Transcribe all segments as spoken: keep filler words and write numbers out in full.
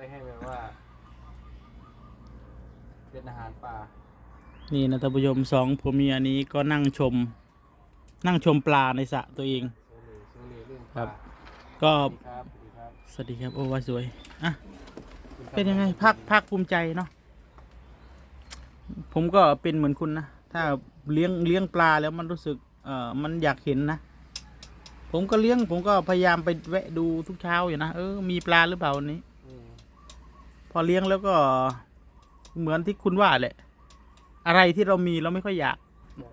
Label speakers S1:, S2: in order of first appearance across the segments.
S1: ว้ให้แบบว่าเป็นอาหารป่า
S2: นี่นะท่านผู้ชมสองผัวเมียนี้ก็นั่งชม นั่งชมปลาในสระตัวเอง
S1: โซเลโซเลเรื่องป
S2: ครั
S1: ลา
S2: บ ก็
S1: สวัสดีครับสวัสดีครับ
S2: สวัสดีครับโอ้ว่าสวยอ่ะ
S1: คุณครับ
S2: เป็นยังไงภาคภาคภูมิใจเนาะผมก็เป็นเหมือนคุณนะถ้าเลี้ยงเลี้ยงปลาแล้วมันรู้สึกเอ่อมันอยากเห็นนะผมก็เลี้ยงผมก็พยายามไปแวะดูทุกเช้าอยู่นะเออมีปลาหรือเปล่าวันนี้
S1: อืม
S2: พอเลี้ยงแล้วก็เหมือนที่คุณว่าแหละ อะไรที่เรามีเราไม่ค่อยอยาก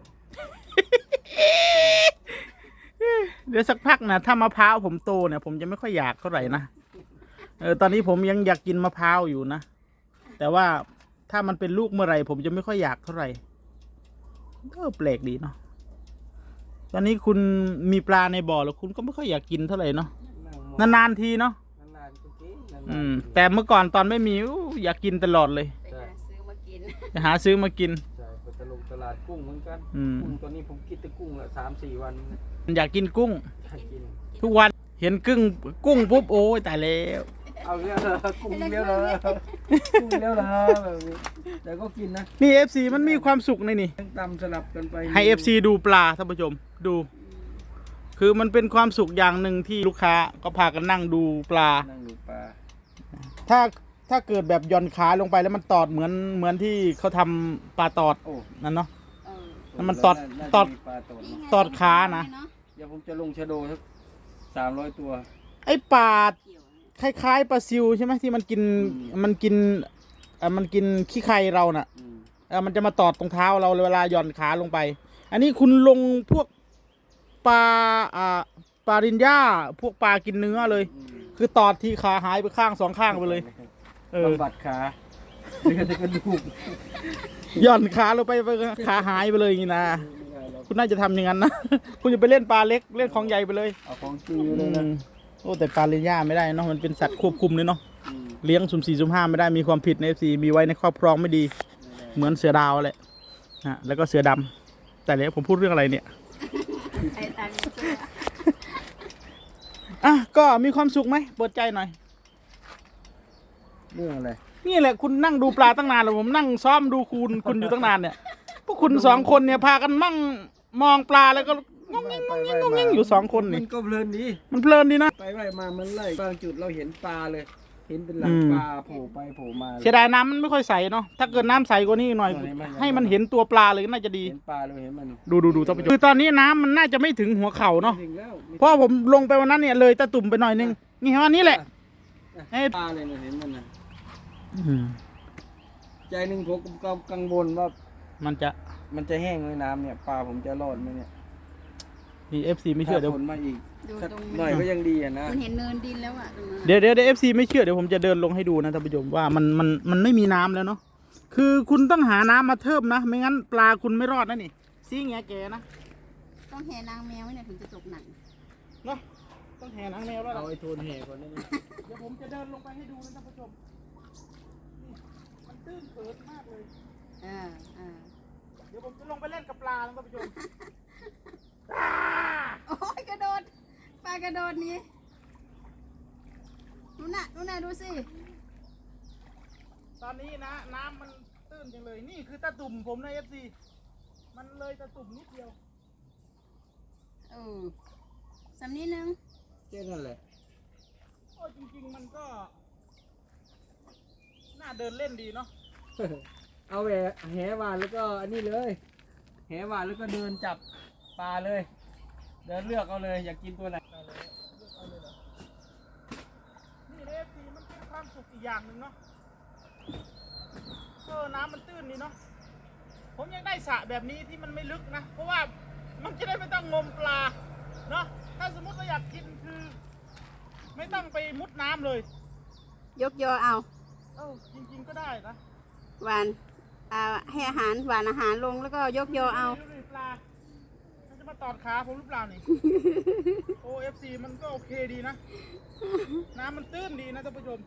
S2: เดี๋ยวสักพักนะถ้ามะพร้าวผมโตเนี่ยผมจะไม่ค่อยอยากเท่าไหร่นะเออตอนนี้ผมยังอยากกินมะพร้าวอยู่นะแต่ว่าถ้ามันเป็นลูกเมื่อไหร่ผมจะไม่ค่อยอยากเท่าไหร่ก็แปลกดีเนาะตอนนี้คุณมีปลาในบ่อแล้วคุณก็ไม่ค่อยอยากกินเท่าไหร่เนาะ
S1: นั่งมอง
S2: นานๆทีเนาะ
S1: นานๆก็กินนานๆ
S2: อืม
S1: ก็กิน
S2: แต่เมื่อก่อนตอนไม่มีอู้อยากกินตลอดเลย
S3: ไปหาซื้อมากิน
S2: จะหาซื้อมากิน
S1: ใช่ไปตลงตลาดกุ้งเหมือนกัน
S2: อืม
S1: กุ้งตอนนี้ผมกินแต่กุ้งละสามสี่วันเนี่ย
S2: อยากกินกุ้ง
S1: อยากกิน
S2: ทุกวันเห็นกึ้งกุ้งปุ๊บโอ้ยตายแล้ว
S1: เอาเลี้ยวเลยกุ้งเลี้ยวเลยกุ้งเลี้ยวเลยแบบนี้แต่ก็กินนะ
S2: นี่เอฟซีมันมีความสุขในนี่
S1: ตำสลับกันไป
S2: ให้เอฟซีดูปลาท่านผู้ชมดู คือมันเป็นความสุขอย่างหนึ่งที่ลูกค้าก็พากันนั่งดูปลา
S1: นั่งดูปลา
S2: ถ้าถ้าเกิดแบบหย่อนขาลงไปแล้วมันตอดเหมือนเหมือนที่เขาทำปลาตอด
S1: โอ้
S2: นั่นเนาะ
S3: เออ
S2: แล้วมันตอด
S1: าจะ
S2: ตอด
S1: มีปลาตอด
S3: นี่
S1: เนอะ
S3: ไง
S2: ตอดขานะ
S3: เา
S1: เดี๋ยวผมจะลงชะโดสักสามร้อยตัว
S2: ไอ้ปลา
S3: เกี่ยวนะ
S2: คล้ายๆปลาซิวใช่ไหมที่มันกิน
S1: อืม
S2: มันกินเอ่อมันกินขี้ไคเราน่ะ
S1: อืม
S2: เออมันจะมาตอดตรงเท้าเราเวลาหย่อนขาลงไป อันนี้คุณลงพวกปลาอ่าปลารินย่าพวกปลากินเนื้อเลย
S1: อืม
S2: คือตอดที่ขาหายไปข้างสองข้างไปเลย เออบ
S1: ำบัดขาเดี๋ยวจะกระดูก
S2: หย่อนขาลงไปไปขาหายไปเลยอย่างนี้นะ
S1: ไม่ได้หรอก
S2: คุณน่าจะทำอย่างนั้นนะ คุณจะไปเล่นปลาเล็กเล่นของใหญ่ไปเลย
S1: เอาของจริงเลยนะ
S2: อืมโอ้แต่ปลารินย่าไม่ได้เนาะมันเป็นสัตว์ควบคุมเลยเนาะ
S1: อืม
S2: เลี้ยงสุ่มสี่สุ่มห้าไม่ได้มีความผิดในเอฟซีมีไว้ในครอบครองไม่ดี เหมือนเสือดาวแหละฮะแล้วก็เสือดำแต่แล้วผมพูดเรื่องอะไรเนี่ย
S3: ไอ้ตังค์เชื่อ
S2: อ่ะก็มีความสุขไหมเปิดใจหน่อย
S1: เรื่องอะไร
S2: นี่แหละคุณนั่งดูปลาตั้งนานแล้วผมนั่งซ้อมดูคุณคุณอยู่ตั้งนานเนี่ยพวกคุณสองคนเนี่ยพากันมั่งมองปลาแล้วก็งงงิ้งงงงิ้งงงงิ้งอยู่สองคนนี่
S1: มันก็เพลินดี
S2: มันเพลินดีนะ
S1: ไปไล่มามันไล่บางจุดเราเห็นปลาเลย เห็นเป็นหลัง
S2: อืม
S1: ปลาโผล่ไปโผล่มา
S2: เสียดายน้ำมันไม่ค่อยใสเนาะถ้าเกิดน้ำใสกว่านี้หน่อย
S1: เออเห็นไหม
S2: ให้มันเห็นตัวปลาเลยน่าจะดี
S1: เห็นปลาเลยเห็นมัน
S2: ดูดูดูท่านผู้ชมคือตอนนี้น้ำมันน่าจะไม่ถึงหัวเข่าเนาะ
S1: ถึงแล้ว
S2: เพราะผมลงไปวันนั้นเนี่ยเลยตะตุ่มไปหน่อยนึงนี่เห็นว่านี่แหละ เอ้ย
S1: ปลาเลยเนี่ยเห็นมันนะ
S2: อืม
S1: ใจหนึ่งผมก็กังวลว่า
S2: มันจะ
S1: มันจะแห้งไหมน้ำเนี่ยปลาผมจะรอดไหมเนี่ย
S2: มีเอฟซีไม่เชื่อเดี๋ยว
S1: ถ้าฝนมาอีก
S3: ดู
S1: สัก
S3: ตรง
S1: หน่อยก็ยังดีอะนะ
S3: มันเห็นเนินดินแล้วอ่ะตรงนั้นอะ
S2: เดี๋ยวเดี๋ยวเดี๋ยวเอฟซีไม่เชื่อเดี๋ยวผมจะเดินลงให้ดูนะท่านผู้ชมว่ามันมันมันไม่มีน้ำแล้วเนาะคือคุณต้องหาน้ำมาเทิมนะไม่งั้นปลาคุณไม่รอดนะนี่ซีเงี้ยแกนะ
S3: ต้องแห่นางแมวเนี่ยถึงจะตกหนัก
S2: เนาะต้องแห่นางแมวแล้ว
S1: เอา
S2: ล่ะ
S1: ไอ้โทนแห่ก่อนได้ไหม
S2: เดี๋ยวผมจะเดินลงไปให้ดูนะท่านผู้ชมนี่มันตื้นเขินมากเลย
S3: เออเออ
S2: เดี๋ยวผมจะลงไปเล่นกับปลานะท่านผู้ชม
S3: โอ้ยกระโดดปลากระโดดหนี้นู่นน่ะนู่นน่ะดูสิ
S2: ตอนนี้นะน้ำมันตื้นจังเลยนี่คือตะตุ่มผมนะเอฟซีมันเลยตะตุ่มนิดเดียว
S3: เออสำนี้นึง
S1: แค่นั้นแหละ
S2: โอ้จริงๆมันก็น่าเดินเล่นดีเนาะ
S1: เอาแหวแหหวานแล้วก็อันนี้เลยแหหวานแล้วก็เดินจับปลาเลย เดินเลือกเอาเลยอยากกินตัวไหน
S2: เอาเลยเลือกเอาเลยเหรอนี่เอฟซีมันเป็นความสุขอีกอย่างหนึ่งเนาะเออน้ำมันตื้นดีเนาะผมยังได้สระแบบนี้ที่มันไม่ลึกนะเพราะว่ามันจะได้ไม่ต้องงมปลาเนาะถ้าสมมติเราอยากกินคือ ไม่ต้องไปมุดน้ำเลย
S3: ยกยอเอา
S2: เออจริงๆก็ได้นะ
S3: หวานอ่าให้อาหารหวานอาหารลงแล้วก็ยกยอเอา
S2: ดูดิปลามันจะมาตอดขาผมหรือเปล่านี่ โอเอฟซีมันก็โอเคดีนะ น้ำมันตื้นดีนะท่านผู้ชม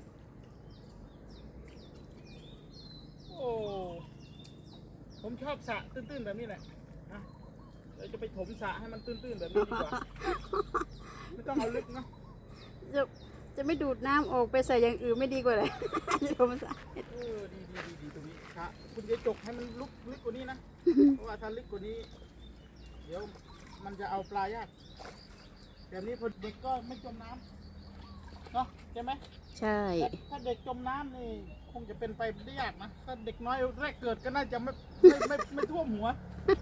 S2: โอ้ ผมชอบสระตื้นๆแบบนี้แหละนะเดี๋ยวจะไปถมสระให้มันตื้นๆแบบนี้ดีกว่า ไม่ต้องเอาลึกเนาะ
S3: จะจะไม่ดูดน้ำออกไปใส่อย่างอื่นไม่ดีกว่าเลยธรรมชาติ
S2: เออดีดีดีดีตรงนี้ครับคุณจะจกให้มันลุกลึกกว่านี้นะ เพราะว่าถ้าลึกกว่านี้ เดี๋ยวมันจะเอาปลายากแบบนี้พอเด็กก็ไม่จมน้ำเนาะใช่ไหม
S3: ใช่
S2: ถ้าถ้าเด็กจมน้ำนี่คงจะเป็นไปได้ยากนะถ้าเด็กน้อยแรกเกิดก็น่าจะไม่ไม่ไม่ไม่ท่วมหัว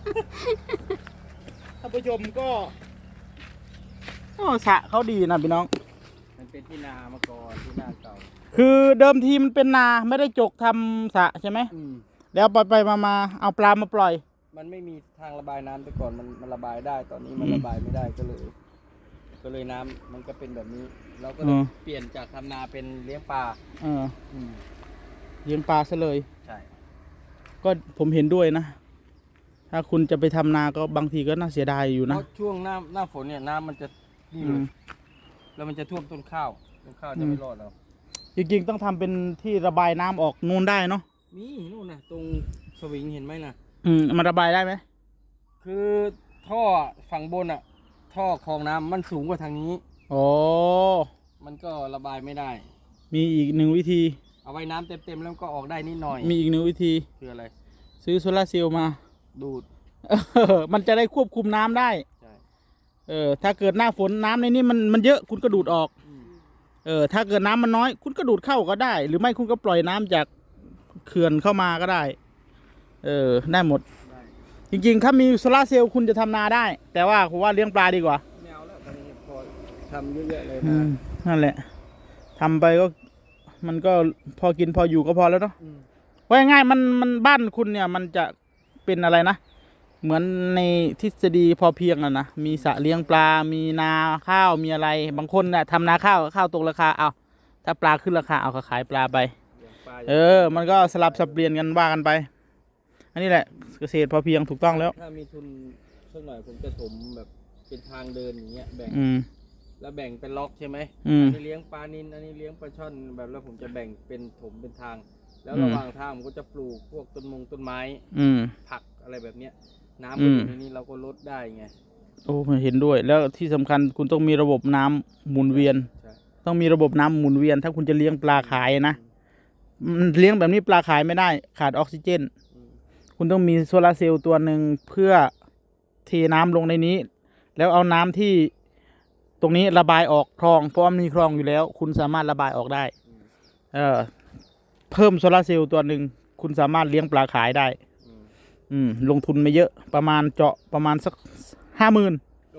S2: ท่านผู้ชมก็โอ้สระเขาดีนะพี่น้อง
S1: มันเป็นที่นามาก่อนที่นาเก่า
S2: คือเดิมทีมันเป็นนาไม่ได้จกทำสระใช่ไหม
S1: อืม
S2: แล้วไปไปมามาเอาปลามาปล่อย
S1: มันไม่มีทางระบายน้ำแต่ก่อนมันมันระบายได้ตอนนี้มัน
S2: อืม
S1: ระบายไม่ได้ก็เลย ก็เลยน้ำมันก็เป็นแบบนี้ เราก็เล
S2: อื
S1: ย
S2: ม
S1: เปลี่ยนจากทำนาเป็นเลี้ยงปลา
S2: เออ
S1: อืม
S2: เลี้ยงปลาซะเลย
S1: ใช่
S2: ก็ผมเห็นด้วยนะ ถ้าคุณจะไปทำนาก็บางทีก็น่าเสียดายอยู่
S1: เพ
S2: นะ
S1: ราะช่วงหน้าหน้าฝนเนี่ยน้ำมันจะนี่
S2: อื
S1: เล
S2: ม
S1: ยแล้วมันจะท่วมต้นข้าวต้นข้าวจะไม่รอดแล้ว
S2: จริงๆต้องทำเป็นที่ระบายน้ำออกนู่นได้เนาะ
S1: นี่นู่นนะตรงสวิงเห็นไหมนะ
S2: อืมมันระบายได้ไหม
S1: คือท่อฝั่งบนอ่ะ ท่อคลองน้ำมันสูงกว่าทางนี้
S2: โอ้
S1: มันก็ระบายไม่ได้
S2: มีอีกหนึ่งวิธี
S1: เอาไว้น้ำเต็มๆแล้วก็ออกได้นิดหน่อย
S2: มีอีกหนึ่งวิธี
S1: คืออะไร
S2: ซื้อโซลาร์เซลล์มา
S1: ดูด
S2: เออมันจะได้ควบคุมน้ำได้
S1: ใช่
S2: เออ ถ้าเกิดหน้าฝนน้ำในนี้มันมันเยอะคุณก็ดูดออก
S1: อืม
S2: เออ ถ้าเกิดน้ำมันน้อย คุณก็ดูดเข้าก็ได้ หรือไม่คุณก็ปล่อยน้ำจากเขื่อนเข้ามาก็ได้ เออ ได้หมด
S1: ได้
S2: จริงๆ ถ้ามีโซลาร์เซลล์คุณจะทำนาได้ แต่ว่าผมว่าเลี้ยงปลาดีกว่า
S1: ไม่เอาแล้วตอนนี้พอทำเยอะๆเลย
S2: อื
S1: นะ
S2: มนั่นแหละทำไปก็มันก็พอกินพออยู่ก็พอแล้วเนาะ
S1: อืม
S2: ว่าง่ายๆมันมันบ้านคุณเนี่ยมันจะเป็นอะไรนะ เหมือนในทฤษฎีพอเพียงอะนะมีสระเลี้ยงปลา มีนาข้าวมีอะไร บางคนเนี่ยทำนาข้าวข้าวตกราคาเอาถ้าปลาขึ้นราคาเอาก็ขายปลาไป
S1: เลี้ยงปลา
S2: เออ มันก็สลับสับเปลี่ยนกันว่ากันไป อันนี้แหละเกษตรพอเพียงถูกต้องแล้ว
S1: ถ้ามีทุนสักหน่อยผมจะถมแบบเป็นทางเดินอย่างเงี้ยแบ่ง
S2: อืม
S1: แล้วแบ่งเป็นล็อกใช่ไหม
S2: อืม
S1: นนี้เลี้ยงปลานิลอันนี้เลี้ยงปลาช่อนแบบแล้วผมจะแบ่งเป็นถมเป็นทาง แล้ว
S2: อืม
S1: ระหว่างทางผมก็จะปลูกพวกต้นมงต้นไม้
S2: อืม
S1: ผักอะไรแบบเนี้ย น้ำ
S2: อื
S1: มันอ
S2: ม
S1: ยู่ในนี้เราก็ลดได้ไง
S2: โอ้เห็นด้วย แล้วที่สำคัญคุณต้องมีระบบน้ำหมุนเวียน
S1: ใช่
S2: ต้องมีระบบน้ำหมุนเวียน ถ้าคุณจะเลี้ยงปลาขายนะมันเลี้ยงแบบนี้ปลาขายไม่ได้ ขาดออกซิเจน
S1: อืม
S2: คุณต้องมีโซลาร์เซลล์ตัวหนึ่งเพื่อเทน้ำลงในนี้ แล้วเอาน้ำที่ตรงนี้ระบายออกคลอง เพราะว่ามีคลองอยู่แล้ว คุณสามารถระบายออกได้
S1: อืม
S2: เออเพิ่มโซลาร์เซลล์ตัวหนึ่งคุณสามารถเลี้ยงปลาขายได้
S1: อืม
S2: อืม ลงทุนไม่เยอะประมาณเจาะประมาณสักห้าหมื่น
S1: โอ้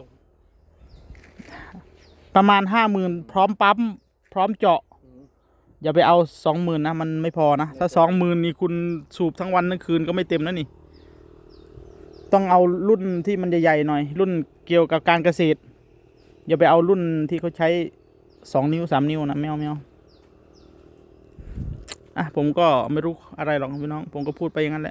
S2: ประมาณห้าหมื่นพร้อมปั๊มพร้อมเจาะ
S1: อืม
S2: อย่าไปเอาสองหมื่นนะมันไม่พอนะ ถ้าสองหมื่นนี่คุณสูบทั้งวันทั้งคืนก็ไม่เต็มแล้วนี่ ต้องเอารุ่นที่มันใหญ่ๆหน่อย รุ่นเกี่ยวกับการเกษตร อย่าไปเอารุ่นที่เขาใช้สองนิ้วสามนิ้วนะไม่เอาไม่เอาอ่ะผมก็ไม่รู้อะไรหรอกพี่น้อง ผมก็พูดไปอย่างนั้นแหละ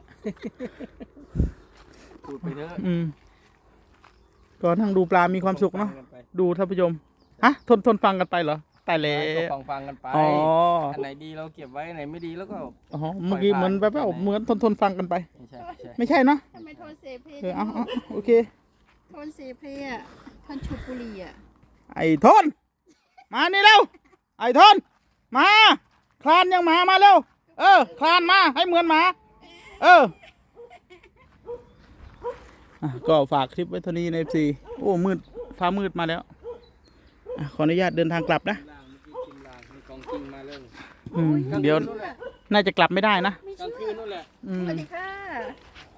S1: พูดไปเถอะ
S2: อืมก็นั่งดูปลามีความสุขเนาะ
S1: ฟังกัไป
S2: ดูท่านผู้ชมฮะทนทนฟังกันไปเหรอตายแล้
S1: ก็
S2: ว
S1: ฟังฟังๆกันไป
S2: อ๋อ
S1: อันไหนดีเราเก็บไว้อันไหนไม่ดีแล้วก็
S2: อ๋อเมื่อกี้เหมือนแบบว่าเหมือนทนทนฟังกันไป
S1: ไม่ใช่ไม่ใช่
S2: ไม่ใช่เนาะ
S3: ทำไมโทนเสเพ
S2: เออเอาเอาโอเค
S3: โทนเสเพอ่ะโทนฉุบบุหรี่อ่ะ
S2: ไอ้ทน มานี่เร็ว ไอ้ทน มา คลานยังหมามาเร็ว เออ คลานมาให้เหมือนหมา เอออ่ะก็ฝากคลิปไว้เท่านี้ใน เอฟ ซี โอ้ มืด ฟ้ามืดมาแล้วอ่ะขออนุญาตเดินทางกลับนะ
S1: ล่างเมื่อกี้กินล่างมีของจริงมาเรื่อง
S2: อืมเดี๋ยว
S1: นู่นแหละ
S2: น่าจะกลับไม่ได้นะ
S1: กลางคืนนู่นแหละ
S2: อื
S3: ส
S2: ม
S3: วัสดีค่ะ